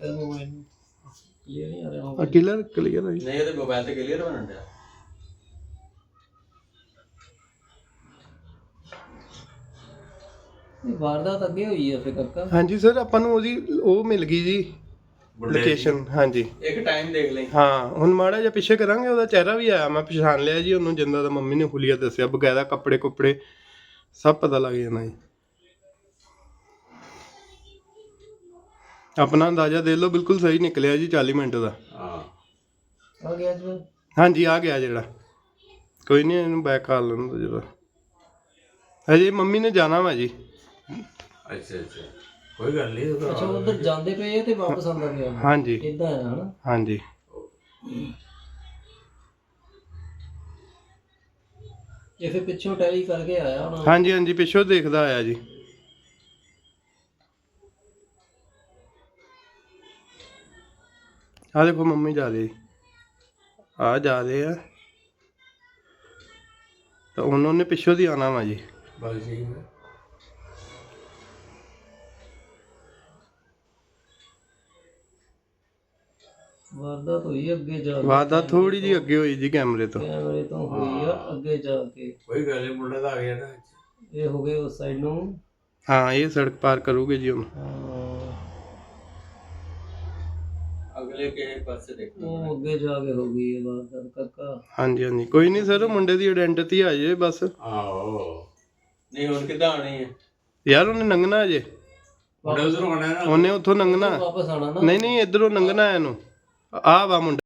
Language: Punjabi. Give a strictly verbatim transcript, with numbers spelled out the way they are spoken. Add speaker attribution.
Speaker 1: ਮੋਬਾਈਲ ਨੂੰ ਕਲੀਅਰ ਨਹੀਂ ਆ ਰਿਹਾ
Speaker 2: ਆ ਕਲੀਅਰ ਕਲੀਅਰ ਹੈ ਜੀ
Speaker 3: ਨਹੀਂ ਇਹਦੇ ਮੋਬਾਈਲ ਤੇ ਕਲੀਅਰ ਬਣਨ ਡਿਆ
Speaker 1: ਇਹ ਵਾਰਦਾਤ ਅੱਗੇ ਹੋਈ ਆ ਫਿਰ ਕਾਕਾ
Speaker 2: ਹਾਂਜੀ ਸਰ ਆਪਾਂ ਨੂੰ ਉਹਦੀ ਉਹ ਮਿਲ ਗਈ ਜੀ ਲੋਕੇਸ਼ਨ ਹਾਂਜੀ
Speaker 3: ਇੱਕ ਟਾਈਮ ਦੇਖ ਲਈ
Speaker 2: ਹਾਂ ਹੁਣ ਮਾੜਾ ਜਿਹਾ ਪਿੱਛੇ ਕਰਾਂਗੇ ਉਹਦਾ ਚਿਹਰਾ ਵੀ ਆਇਆ ਮੈਂ ਪਛਾਣ ਲਿਆ ਜੀ ਉਹਨੂੰ ਜਿੰਦਾ ਦਾ ਮੰਮੀ ਨੇ ਹੁਲੀਆ ਦੱਸਿਆ ਬਕਾਇਦਾ ਕੱਪੜੇ ਕੁੱਪੜੇ ਸਭ ਪਤਾ ਲੱਗ ਜਾਣਾ ਜੀ ਆਪਣਾ ਅੰਦਾਜ਼ਾ ਦੇ ਲਓ ਬਿਲਕੁਲ ਸਹੀ ਨਿਕਲਿਆ ਜੀ ਚਾਲੀ ਮਿੰਟ ਦਾ
Speaker 3: ਹਾਂ
Speaker 1: ਆ ਗਿਆ ਜੀ
Speaker 2: ਹਾਂਜੀ ਆ ਗਿਆ ਜਿਹੜਾ ਕੋਈ ਨਹੀਂ ਇਹਨੂੰ ਬੈਕ ਕਰ ਲੈਣ ਜਦੋਂ ਅਜੇ ਮੰਮੀ ਨੇ ਜਾਣਾ ਵਾ ਜੀ
Speaker 3: ਅੱਛਾ ਅੱਛਾ ਕੋਈ ਗੱਲ ਨਹੀਂ
Speaker 1: ਅੱਛਾ ਉਧਰ ਜਾਂਦੇ ਪਏ ਆ ਤੇ ਵਾਪਸ ਆਉਂਦਾ ਪਿਆ
Speaker 2: ਹਾਂਜੀ
Speaker 1: ਇਦਾਂ ਆ ਹਨਾ
Speaker 2: ਹਾਂਜੀ
Speaker 1: ਇਹ ਫਿਰ ਪਿੱਛੋਂ ਟੈਲੀ ਕਰਕੇ ਆਇਆ ਹੁਣ
Speaker 2: ਹਾਂਜੀ ਹਾਂਜੀ ਪਿੱਛੋਂ ਦੇਖਦਾ ਆਇਆ ਜੀ ਆ ਦੇਖੋ ਮੰਮੀ ਜਾ ਰਹੀ ਆ ਜਾ ਰਹੇ ਆ ਤਾਂ ਉਹਨਾਂ ਨੇ ਪਿੱਛੋਂ ਦੀ ਆਣਾ ਵਾ ਜੀ
Speaker 3: ਬਸ ਜੀ
Speaker 1: ਵਾਰਦਾਤ ਹੋਈ ਅੱਗੇ ਜਾ ਕੇ
Speaker 2: ਵਾਰਦਾਤ ਥੋੜੀ ਜੀ ਅੱਗੇ ਹੋਈ ਜੀ ਕੈਮਰੇ ਤੋਂ
Speaker 1: ਕੈਮਰੇ ਤੋਂ ਹੋਈ ਆ ਅੱਗੇ ਜਾ ਕੇ
Speaker 3: ਕੋਈ ਗੱਲ ਨਹੀਂ ਮੁੰਡਾ ਤਾਂ ਆ ਗਿਆ ਨਾ
Speaker 1: ਇਹ ਹੋ ਗਏ ਉਸ ਸਾਈਡ ਨੂੰ
Speaker 2: ਹਾਂ ਇਹ ਸੜਕ ਪਾਰ ਕਰੂਗੇ ਜੀ ਹੁਣ
Speaker 3: ਅਗਲੇ ਕਿਸੇ ਪਾਸੇ ਦੇਖੋ
Speaker 1: ਉਹ ਅੱਗੇ ਜਾ ਕੇ ਹੋ ਗਈ ਇਹ ਵਾਰਦਾਤ ਕਾਕਾ
Speaker 2: ਹਾਂਜੀ ਹਾਂਜੀ ਕੋਈ ਨਹੀਂ ਸਰ ਮੁੰਡੇ ਦੀ ਆਇਡੈਂਟੀਟੀ ਆ ਜੇ ਬਸ
Speaker 3: ਆਹੋ ਨਹੀਂ ਹੁਣ ਕਿੱਦਾਂ ਆਣੀ ਹੈ
Speaker 2: ਯਾਰ ਉਹਨੇ ਲੰਘਣਾ ਅਜੇ
Speaker 3: ਮੁੰਡਾ ਉਧਰੋਂ ਆਣਾ ਨਾ
Speaker 2: ਉਹਨੇ ਉੱਥੋਂ ਲੰਘਣਾ
Speaker 1: ਵਾਪਸ ਆਣਾ ਨਾ
Speaker 2: ਨਹੀਂ ਨਹੀਂ ਇਧਰੋਂ ਲੰਘਣਾ ਇਹਨੂੰ ਆ ਵਾ ਮੁੰਡਾ